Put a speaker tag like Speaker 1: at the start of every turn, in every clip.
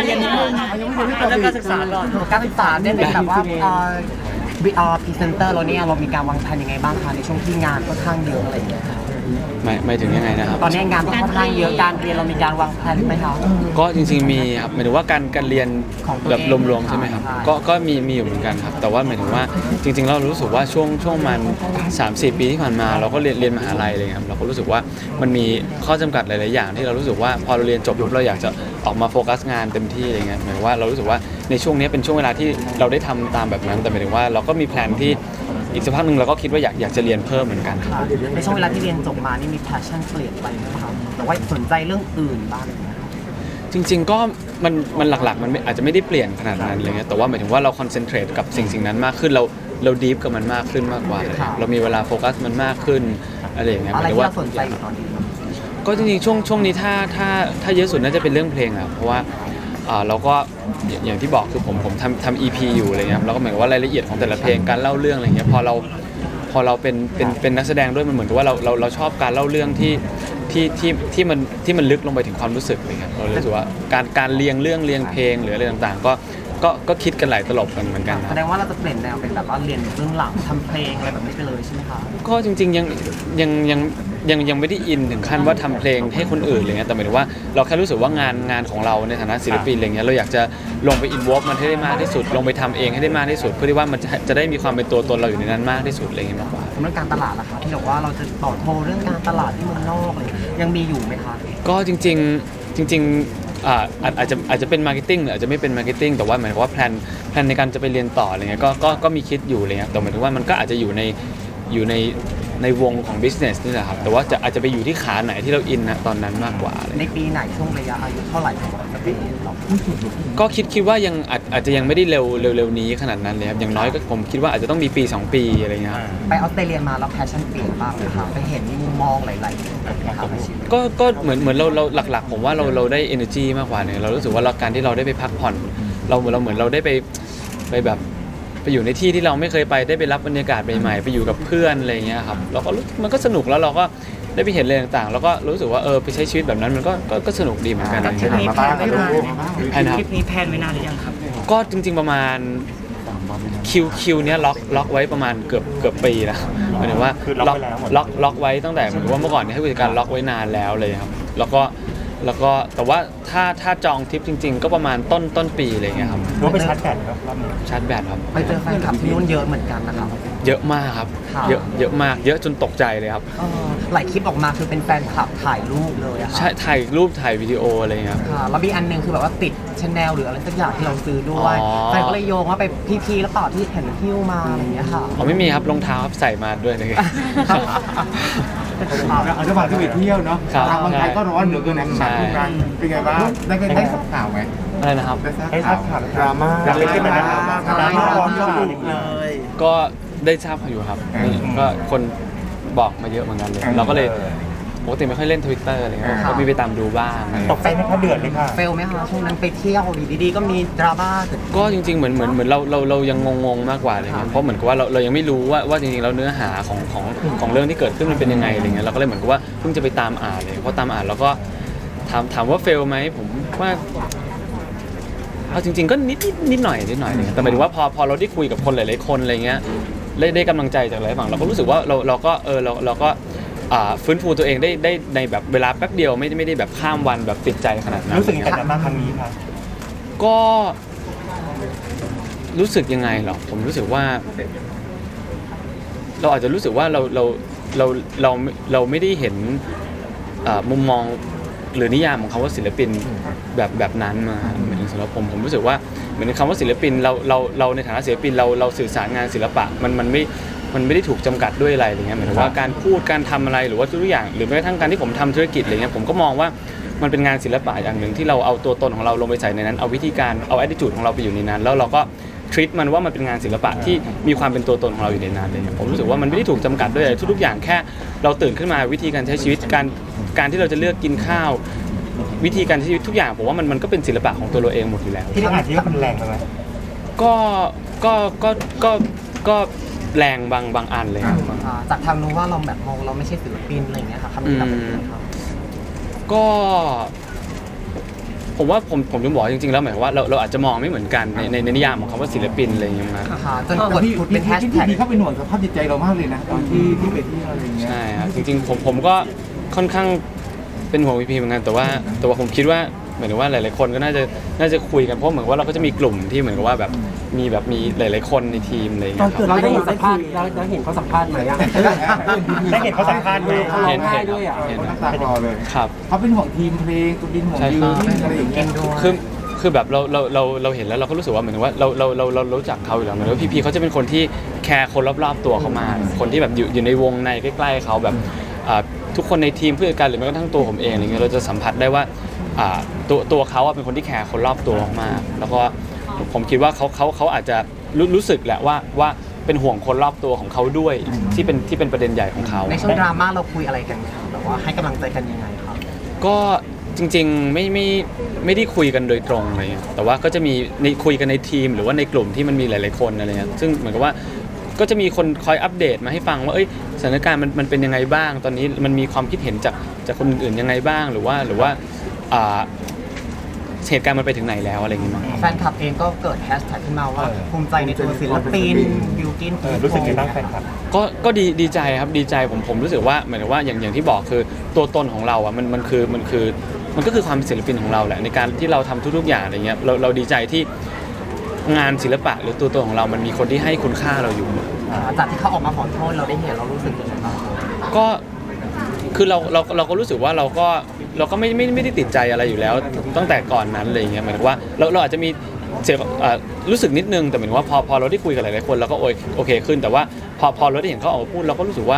Speaker 1: เรียนนิดนึงเรื่องการศึกษาก่อน
Speaker 2: การศึกษาเนี่ยเป็นแบบว่าพรีเซนเตอร์เราเนี่ยเรามีการวางแผนยังไงบ้างคะในช่วงที่งานค่อนข้างเยอะอะไรอย่างเงี้ยค่ะ
Speaker 3: ไม่ถึงยังไงนะครับ
Speaker 2: ตอนนี้งานค่อนข้างเยอะการเรียนเรามีการวางแผนไหมคะ
Speaker 3: ก็จริงๆมีครับหมายถึงว่าการเรียน
Speaker 2: ของตัว
Speaker 3: แบบ
Speaker 2: เอง
Speaker 3: รวมๆใช่ไหมครับ
Speaker 2: ใช่
Speaker 3: ก็มีอยู่เหมือนกันครับแต่ว่าหมายถึงว่าจริงๆเรารู้สึกว่าช่วงมัน 3-4 ปีที่ผ่านมาเราก็เรียนมหาลัยอะไรเงี้ยครับเราก็รู้สึกว่ามันมีข้อจำกัดหลายๆอย่างที่เรารู้สึกว่าพอเราเรียนจบปุ๊บเราอยากจะออกมาโฟกัสงานเต็มที่อะไรเงี้ยหมายถึงว่าเรารู้สึกว่าในช่วงนี้เป็นช่วงเวลาที่เราได้ทำตามแบบนั้นแต่หมายถึงว่าเราก็มีแพลนที่อีกสักพักหนึ่งเราก็คิดว่าอยากจะเรียนเพิ่มเหมือนกัน
Speaker 2: ค่ะในช่วงเวลาที่เรียนจบมานี่มี passion เปลี่ยนไปไหมคะแต่ว่าสนใจเรื่องอื่นบ้างไหมคะ
Speaker 3: จริงๆก็มันหลักๆมันอาจจะไม่ได้เปลี่ยนขนาดนั้นอะไรเงี้ยแต่ว่าหมายถึงว่าเราคอนเซนเทรตกับสิ่งนั้นมากขึ้นเราดีฟกับมันมากขึ้นมากกว่าเรามีเวลาโฟกัสมันมากขึ้นอะไรอย่างเงี้ยห
Speaker 2: อะไร
Speaker 3: มายถึง
Speaker 2: ที่
Speaker 3: ว่า
Speaker 2: เราสนใจอยู่ตอนนี้
Speaker 3: ก็จริงๆช่วงนี้ถ้าเยอะสุดน่าจะเป็นเรื่องเพลงอะเพราะว่าเราก็อย่างที่บอกคือผมทำ EP อยู่อะไรเงี้ยแล้วก็เหมือนว่ารายละเอียดของแต่ละเพลงการเล่าเรื่องอะไรเงี้ยพอเราเป็นนักแสดงด้วยมันเหมือนกับว่าเราชอบการเล่าเรื่องที่มันลึกลงไปถึงความรู้สึกเลยครับเรารู้สึกว่าการเรียงเรื่องเรียงเพลงหรืออะไรต่างๆก็คิดกันหลายตลบกันเหมือนกันค
Speaker 2: แส
Speaker 3: รับ
Speaker 2: ดงว่าเราจะเปลี่ยนแนวเป็นแบบว่าเรียนเบื้องหลังทำเพลงอะไรแบบนี้ไปเลยใช่ไหมคะ
Speaker 3: ก็จริงๆยังไม่ได้อินถึงขั้นว่าทำเพลงให้คนอื่นอะไรเงี้ยแต่หมายถึงว่าเราแค่รู้สึกว่างานของเราในฐานะศิลปินอะไรเงี้ยเราอยากจะลงไปอินวอล์ฟมันให้ได้มากที่สุดลงไปทำเองให้ได้มากที่สุดเพื่อที่ว่ามันจะได้มีความเป็นตัวตนเราอยู่ในนั้นมากที่สุดอะไรเงี้ยมากกว่า
Speaker 2: สำหรับการตลาดล่ะคะที่บอกว่าเราจะต่อโทรเรื่องการตลาดที่เมืองนอกเลยยังมีอยู่ไหมคะ
Speaker 3: ก็จริงอาจจะเป็นมาร์เก็ตติ้งหรืออาจจะไม่เป็นมาร์เก็ตติ้งแต่ว่าหมายถึงว่าแพลนในการจะไปเรียนต่ออะไรเงี้ยก็มีคิดอยู่อะไรเงี้ยแต่หมายถึงว่ามันก็อาจจะอยู่ในวงของ business นี่แหละครับแต่ว่าอาจจะไปอยู่ที่ขาไหนที่เราอินนะตอนนั้นมากกว่าอะไร
Speaker 2: ในปีไหนช่วงระยะอายุเท่าไหร่ของจะไปเรียนต่อ
Speaker 3: ก็คิดว่ายังอาจจะยังไม่ได้เร็วนี้ขนาดนั้นเลยครับอย่างน้อยก็ผมคิดว่าอาจจะต้องมีปี 2 ปีอะไรเงี้ยครับ
Speaker 2: ไปออสเตรเลียมาแล้วแพชชั่นเปลี่ยนบ้างไหมคะไปเห็นมุมมองหลายๆนะครับในชีวิต
Speaker 3: ก็เหมือนเราหลักๆผมว่าเราได้ energy มากกว่าเนี่ยเรารู้สึกว่าการที่เราได้ไปพักผ่อนเราเหมือนเราได้ไปแบบไปอยู่ในที่ที่เราไม่เคยไปได้ไปรับบรรยากาศใหม่ๆไปอยู่กับเพื่อนอะไรเงี้ยครับเราก็มันก็สนุกแล้วเราก็ได้ไปเห็นอะไรต่างๆ แล้วก็รู้สึกว่าไปใช้ชีวิตแบบนั้นมันก็สนุกดีเหมือนกัน
Speaker 1: ทริปนี้แพลนไว้นาน
Speaker 3: ใช่นะครับ
Speaker 1: ทริปนี้แพลนไว้นานหรือยังครับ
Speaker 3: ก็จริงๆประมาณคิวเนี้ยล็อกไว้ประมาณเกือบปีนะหมายถึงว่าล็อกไว้ตั้งแต่เหมือนว่าเมื่อก่อนเนี่ยให้ผู้จัดการล็อกไว้นานแล้วเลยครับแล้วก็แต่ว่าถ้าจองทริปจริง ๆ ก็ประมาณต้นปีอะไรเงี้ยครับ
Speaker 4: หรือว่าไปชาร์จแบตครับรอบนี้
Speaker 3: ชาร์จแบตครับ
Speaker 2: ไปเจอแฟนคลับที่นู่นเยอะเหมือนกันนะครับ
Speaker 3: เยอะมากครับ
Speaker 2: ค่ะ
Speaker 3: เยอะมากเยอะจนตกใจเลยครับ
Speaker 2: หลายคลิปออกมาคือเป็นแฟนคลับถ่ายรูปเลยอะค่ะ
Speaker 3: ใช่ถ่ายรูปถ่ายวิดีโออะไรเงี้ยครับ
Speaker 2: ค่ะแล้วมีอันหนึงคือแบบว่าติดชาแนลหรืออะไรสักอย่างที่เราซื้อด้วย
Speaker 3: อ๋อ
Speaker 2: แฟนก็เลยโยงว่าไปพี่แล้วเปล่าที่เห็นหิ้วมาอะไรอย่างเงี้ยค่ะ
Speaker 3: อ๋อไม่มีครับรองเท้าครับใส่มาด้วยเลย
Speaker 4: เอาระหว่างที่ไปเที่ยวเนาะ
Speaker 3: ครับ
Speaker 4: ทางบางไทยก็ร้อนเหลือเกินนะ
Speaker 3: ใช่
Speaker 4: ทุกครั้งเป็นไงบ้างได้ทราบข่าวไหม
Speaker 3: อะไรนะครับ
Speaker 4: ได้ทราบข่าวดราม่าอยากเป็นที่มันดราม่าร้อนก็อีกเลย
Speaker 3: ก็ได้ทราบอยู่ครับนี่ก็คนบอกมาเยอะเหมือนกันเลย เราก็เลยปกติไม่ค่อยเล่น Twitter อะไรเงี้ยก็มีไปตามดูบ้าง
Speaker 4: ตกใจไหมคะเดือดเลยค่ะ
Speaker 2: เฟลไหมคะช่วงนั้นไปเที่ยวดีๆก็มีดราม่าเกิดขึ้น
Speaker 3: ก็จริงๆเหมือนเรายังงงๆมากกว่าอะไรเงี้ยเพราะเหมือนกับว่าเรายังไม่รู้ว่าจริงๆแล้วเนื้อหาของเรื่องที่เกิดขึ้นมันเป็นยังไงอะไรเงี้ยเราก็เลยเหมือนกับว่าเพิ่งจะไปตามอ่านเลยเพราะตามอ่านแล้วก็ถามว่าเฟลไหมผมว่าเอาจริงๆก็นิดหน่อยเลยแต่หมายถึงว่าพอเราได้คุยกับคนหลายๆคนอะไรเงี้ยได้กำลังใจจากหลายฝั่งเราก็รู้สึกว่าเราก็ฟื้นฟูตัวเองได้ในแบบเวลาแป๊บเดียวไม่ได้แบบข้ามวันแบบติดใจขนาดนั้น
Speaker 4: รู้สึกยังไงกับดราม่าครั้งนี้คะ
Speaker 3: ก็รู้สึกยังไงเหรอผมรู้สึกว่า เราอาจจะรู้สึกว่าเราไม่ได้เห็นมุมมองหรือนิยามของคำว่าศิลปินแบบนั้นมาเหมือนสำหรับผมรู้สึกว่าเหมือนคำว่าศิลปินเราในฐานะศิลปินเราสื่อสารงานศิลปะมันไม่ได้ถูกจำกัดด้วยอะไรอย่างเงี้ยหมายถึงว่าการพูดการทำอะไรหรือว่าทุกอย่างหรือแม้กระทั่งการที่ผมทำธุรกิจอะไรเงี้ยผมก็มองว่ามันเป็นงานศิลปะอย่างหนึ่งที่เราเอาตัวตนของเราลงไปใส่ในนั้นเอาวิธีการเอา attitude ของเราไปอยู่ในนั้นแล้วเราก็treat มันว่ามันเป็นงานศิลปะที่มีความเป็นตัวตนของเราอยู่ในนั้นเลยผมรู้สึกว่ามันไม่ได้ถูกจำกัดด้วยอะไรทุกๆอย่างแค่เราตื่นขึ้นมาวิธีการใช้ชีวิตการที่เราจะเลือกกินข้าววิธีการใช้ชีวิตทุกอย่างผมว่ามันก็เป็นศิลปะของตัวเราเองหมดอยู่แล้ว
Speaker 4: ที่เราอาจจะว่ามันแรงไปไหม
Speaker 3: ก็แรงบางอันเลยครับ
Speaker 2: จากทางนู้นว่าเราแบบมองเราไม่ใช่ศิลปินอะไรอย่างเงี้ยค่ะคำนี้กับเป็นยังไงครับ
Speaker 3: ก็ผมว่าผมจะบอกจริงๆแล้วหมายความว่าเราอาจจะมองไม่เหมือนกันในนิยามของคำว่าศิลปินอะไรอย่างเงี้ยนะ
Speaker 2: ค่ะจนกดผุดเป็นแฮชแท็ก
Speaker 5: พี่เขาเป็นห่วงสภาพจิตใจเรามากเลยนะตอนที่ไปเที่ยวอะไรอย่างเงี้ย
Speaker 3: ใช่ครับจริงๆผมก็ค่อนข้างเป็นห่วงพีเหมือนกันแต่ว่าผมคิดว่าเหมือนกับว่าหลายๆคนก็น่าจะคุยกันเพราะเหมือนว่าเราก็จะมีกลุ่มที่เหมือนกับว่าแบบมีหลายๆคนในทีมอะไรอย่าง
Speaker 2: ตอ
Speaker 3: เงี้
Speaker 2: น
Speaker 3: ยค
Speaker 2: เกิด
Speaker 3: รับ
Speaker 2: เราได้เห็นสัมภาษณ์เราเห็นเขาสัมภาษณ์ไหมอ่ะ
Speaker 4: ได้เห็นเขาสัมภาษณ์ไหม
Speaker 2: เขาร้องไห้ด้วยอ่ะ
Speaker 3: เห็น
Speaker 5: น้ำตาคลอเลย
Speaker 3: ครับ
Speaker 5: เขาเป็นห่วงทีมเพลงตัวดินห่วง
Speaker 3: ใช่
Speaker 5: ดิ
Speaker 3: คว รับ
Speaker 5: อะไรอย่างเงี้ย
Speaker 3: คือแบบเราเห็นแล้วเราก็รู้สึกว่าเหมือนว่าเรารู้จักเขาอยู่แล้วเหมือนว่าพี่เขาจะเป็นคนที่แคร์คนรอบๆตัวเขามากคนที่แบบอยู่ในวงในใกล้ๆเขาแบบทุกคนในทีมผู้จัดการหรือแม้กระทั่งตัวผมเองอะไรเงี้ยเราจะสัมผัสได้ว่าตัวเขาเป็นคนที่แคร์คนรอบตัวมากๆแล้วก็ผมคิดว่าเขาอาจจะรู้สึกแหละว่าเป็นห่วงคนรอบตัวของเขาด้วยที่เป็นประเด็นใหญ่ของเขา
Speaker 2: ในช่วงดราม่าเราคุยอะไรกันครับแบบว่าให้กำลังใจกันยังไงครับ
Speaker 3: ก็จริงๆไม่ได้คุยกันโดยตรงอะไรเงี้ยแต่ว่าก็จะมีในคุยกันในทีมหรือว่าในกลุ่มที่มันมีหลายๆคนอะไรเงี้ยซึ่งเหมือนกับว่าก็จะมีคนคอยอัปเดตมาให้ฟังว่าสถานการณ์มันเป็นยังไงบ้างตอนนี้มันมีความคิดเห็นจากคนอื่นๆยังไงบ้างหรือว่าเหตุการณ์มันไปถึงไหนแล้วอะไรอย่างเงี้ยมั้ง
Speaker 2: แฟนคลับเองก็เกิดแฮชแท็กขึ้นมาว่าภูมิใจในตัวศิลปินบิวกิน
Speaker 4: รู้สึกไงบ้างแฟนคลับ
Speaker 3: ก็ดีใจครับดีใจผมรู้สึกว่าเหมือนกับว่าอย่างที่บอกคือตัวตนของเราอ่ะมันก็คือความเป็นศิลปินของเราแหละในการที่เราทำทุกๆอย่างอะไรเงี้ยเราดีใจที่งานศิลปะหรือตัวตนของเรามันมีคนที่ให้คุณค่าเราอยู่
Speaker 2: จากที่เขาออกมาขอโทษเราได้เห็นเรารู้สึกยังไงบ้าง
Speaker 3: ก็คือเราก็รู้สึกว่าเราก็ไม่ได้ติดใจอะไรอยู่แล้วตั้งแต่ก่อนนั้นอะไรเงี้ยหมายถึงว่าเราอาจจะมีเสียรู้สึกนิดนึงแต่หมายถึงว่าพอเราได้คุยกับหลายๆคนเราก็โอเคขึ้นแต่ว่าพอเราได้เห็นเขาออกมาพูดเราก็รู้สึกว่า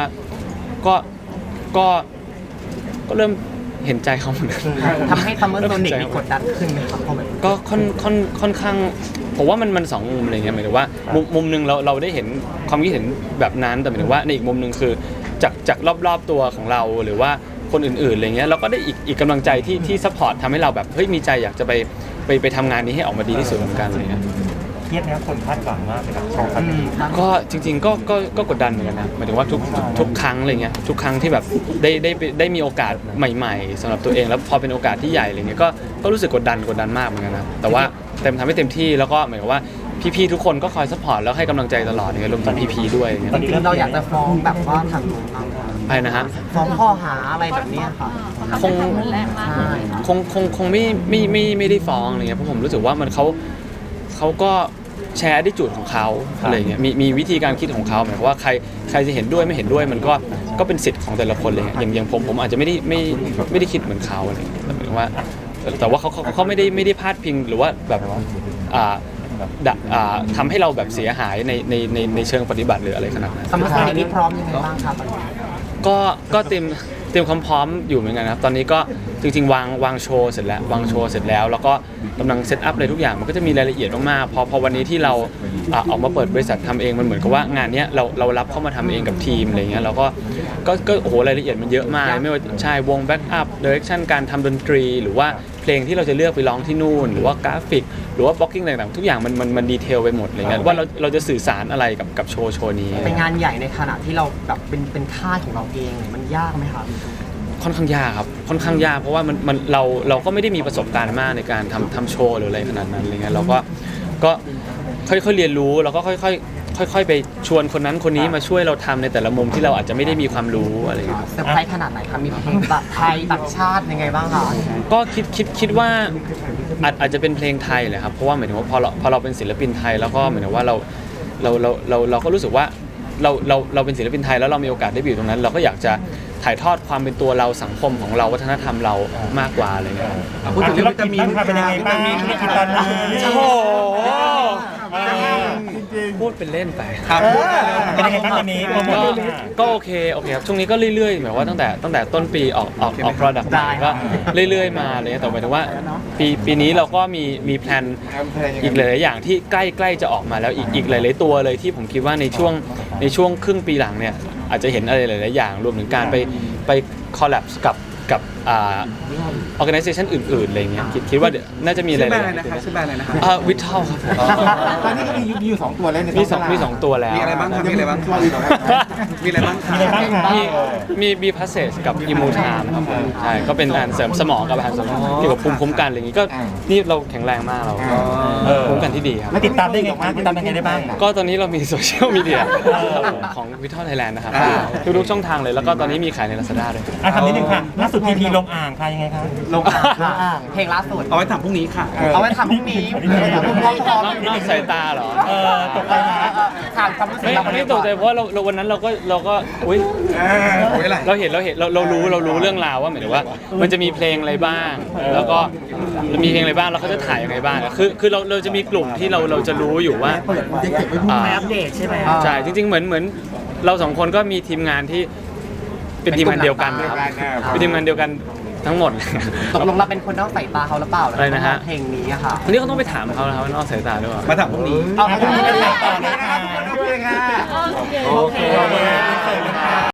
Speaker 3: ก็เริ่มเห็นใจเขาเหมือนกัน
Speaker 2: ทำให้ซัมเมอร์โซนิกมีกดดันขึ้นไหมครับเพราะมัน
Speaker 3: ก็ค่อนข้างผมว่ามันสองมุมอะไรเงี้ยหมายถึงว่ามุมหนึงเราได้เห็นความคิดเห็นแบบนั้นแต่หมายถึงว่าในอีกมุมหนึงคือจากรอบๆตัวของเราหรือว่าคนอื่นๆอะไรเงี้ยเราก็ได้อีกกำลังใจที่ซัพพอร์ตทำให้เราแบบเฮ้ยมีใจอยากจะไปทำงานนี้ให้ออกมาดีที่สุดเหมือนกันอะไรเงี้ย
Speaker 4: เครียดนะคนคาดหวังมากเลยกับโชว์ครั้งนี้
Speaker 3: ก็จริงๆก็กดดันเหมือนกันนะหมายถึงว่าทุกครั้งอะไรเงี้ยทุกครั้งที่แบบได้มีโอกาสใหม่ๆสำหรับตัวเองแล้วพอเป็นโอกาสที่ใหญ่อะไรเงี้ยก็รู้สึกกดดันมากเหมือนกันนะแต่ว่าทำให้เต็มที่แล้วก็หมายถึงว่าพี่ๆทุกคนก็คอยซัพพอร์ตแล้วให้กำลังใจตลอดเนี่ยรวมถึงพี่ๆด้วยอย่างเงี้ย
Speaker 2: จริงๆเราอยากจะฟ้องแบบว่าทางนู้นบ้างไหม
Speaker 3: อะไรนะฮะ
Speaker 2: ฟ้องข้อหาอะไรแบบเนี้ยค่ะ
Speaker 3: คง
Speaker 2: ใช่
Speaker 3: คงไม่ได้ฟ้องอะไรเงี้ยเพราะผมรู้สึกว่ามันเขาก็แชร์ดิจูดของเขาอะไรเงี้ยมีวิธีการคิดของเขาหมายความว่าใครจะเห็นด้วยไม่เห็นด้วยมันก็เป็นสิทธิ์ของแต่ละคนเลยอย่างผมอาจจะไม่ได้คิดเหมือนเขาอะไรเงี้ยแต่หมายถึงว่าแต่ว่าเขาไม่ได้พาดพิงหรือว่าแบบทำให้เราแบบเสียหายในเชิงปฏิบัติหรืออะไรขนาดนั้น
Speaker 2: ซัมเมอร์โซนิกนี่พร้อมยังไงบ้างครับ
Speaker 3: ก็เตรียมความพร้อมอยู่เหมือนกันครับตอนนี้ก็จริงๆวางโชว์เสร็จแล้วแล้วก็กำลังเซตอัพอะไรทุกอย่างมันก็จะมีรายละเอียดมากๆพอวันนี้ที่เราออกมาเปิดบริษัททำเองมันเหมือนกับว่างานเนี้ยเรารับเข้ามาทำเองกับทีมอะไรเงี้ยเราก็โอ้โหรายละเอียดมันเยอะมากไม่ว่าใช่วงแบ็กอัพดิเรกชันการทำดนตรีหรือว่าเพลงที่เราจะเลือกไปร้องที่นู่นหรือว่ากราฟิกหรือว่าบล็อกกิ้งต่างๆทุกอย่างมันดีเทลไปหมดอะไรเงี้ยว่าเราจะสื่อสารอะไรกับโชว์นี้
Speaker 2: เป็นงานใหญ่ในขณะที่เราแบบเป็นค่ายของเราเองเนี่ยมันยากไหมครับ
Speaker 3: ค่อนข้างยากครับค่อนข้างยากเพราะว่าเราก็ไม่ได้มีประสบการณ์มากในการทำโชว์หรืออะไรขนาดนั้นอะไรเงี้ยเราก็ค่อยๆเรียนรู้แล้วก็ค่อยๆไปชวนคนนั้นคนนี้มาช่วยเราทำในแต่ละมุมที่เราอาจจะไม่ได้มีความรู้อะไรเงี้ย
Speaker 2: เซอร์ไพรส์ขนาดไหนครับมีเพลงไทยต่างชาติยังไงบ้างคะ
Speaker 3: ก็คิดว่าอาจจะเป็นเพลงไทยแหละครับเพราะว่าหมายถึงว่าพอเราเป็นศิลปินไทยแล้วก็หมายถึงว่าเราก็รู้สึกว่าเราเป็นศิลปินไทยแล้วเรามีโอกาสได้ไปอยู่ตรงนั้น เราก็อยากจะถ่ายทอดความเป็นตัวเราสังคมของเราวัฒนธรรมเรามากกว่าอะไรเงี้ย
Speaker 5: พูดถึงวิตามิน
Speaker 4: เป็นยังไงบ้างมีธุรกิจตอนนี้
Speaker 3: โอ้โห
Speaker 5: จริง
Speaker 3: พูดเป็นเล่นไป
Speaker 5: ครับ
Speaker 4: เป็นยังไงบ้างวันนี้โปรโมท
Speaker 3: ก็โอเคครับช่วงนี้ก็เรื่อยๆหมายว่าตั้งแต่ต้นปีออก product ใหม่ก็เรื่อยๆมาเลยแต่หมายถึงว่าปีนี้เราก็มีแพลนอีกหลายๆอย่างที่ใกล้จะออกมาแล้วอีกหลายๆตัวเลยที่ผมคิดว่าในช่วงครึ่งปีหลังเนี่ยอาจจะเห็นอะไรหลายๆอย่างรวมถึงการไปคอลแลบกับ organization อื่นๆอะไรเงี้ยคิดว่าเดี๋ยวน่าจะมีอะไร
Speaker 5: ชื่อแบรนด์อะไรนะครับชื่อแบรนด์อะไรนะครับ
Speaker 3: วิทเทลครับผม
Speaker 5: ตอนนี้ก็มีอยู่2ตัวแล้วใน
Speaker 3: มีสองตัวแล้ว
Speaker 5: มีอะไรบ้างครับมีอะไรบ้างครับมีอะไรบ้างครับ
Speaker 3: มีพาสเซจกับอิมูทามครับผมใช่ก็เป็นการเสริมสมองกับอาหารเสริมเกี่ยวกับภูมิคุ้มกันอะไรอย่างงี้ก็นี่เราแข็งแรงมากเราภูมิคุ้มกันที่ดีครับ
Speaker 4: แล้วติดตามได้ไงครับติดตามยังไงได้บ้าง
Speaker 3: ก็ตอนนี้เรามีโซเชียลมีเดียของวิทเทลไทยแลนด์นะครับทุกๆช่องทางเลยแล้วก็ตอนนี้มีขายใน Lazada ด้วย
Speaker 4: ทำนิดนึงค่ะล่าสุดพีพีลงอ่างค่ะยังไงคะ
Speaker 2: ลงอ่างเพลงล่าสุด
Speaker 5: เอาไว้ทำพรุ่งนี้ค่ะ
Speaker 2: เอาไว้ทำพรุ่งนี้
Speaker 3: นอกสายตาเหรอ
Speaker 2: ตกใจไหมถามความรู้สึก
Speaker 3: ไม่
Speaker 2: เรา
Speaker 3: ไม่ตกใจเพราะว่าเราวันนั้นเราก็อุ้ย
Speaker 5: เอาไว้อะไร
Speaker 3: เราเห็นเรารู้เรื่องราวว่าหมายถึงว่า มันจะมีเพลงอะไรบ้าง แล้วก็มีเพลงอะไรบ้างแล้วเขาจะถ่ายยังไงบ้างคือเราจะมีกลุ่มที่เราจะรู้อยู่ว่า
Speaker 1: ไม่อัปเดตใช่ไหม
Speaker 3: ใช่จริงๆเหมือนเราสองคนก็มีทีมงานที่เป็นทีมงานเดียวกันนะครับเป็นทีมงานเดียวกันทั้งหมด
Speaker 2: ตกลงเราเป็นคนนอกสายตาเขาหรือเปล่า
Speaker 3: อะไรนะฮะ
Speaker 2: เพลงนี้อะค่ะ
Speaker 3: ทีนี้เขาต้องไปถามเขานะครับว่านอกสายตาด้วยเปล่า
Speaker 5: มาทำพรุ่งนี้
Speaker 2: เอาพรุ่งนี้เป็นสายตา
Speaker 5: โอเคค่ะ
Speaker 2: โอเค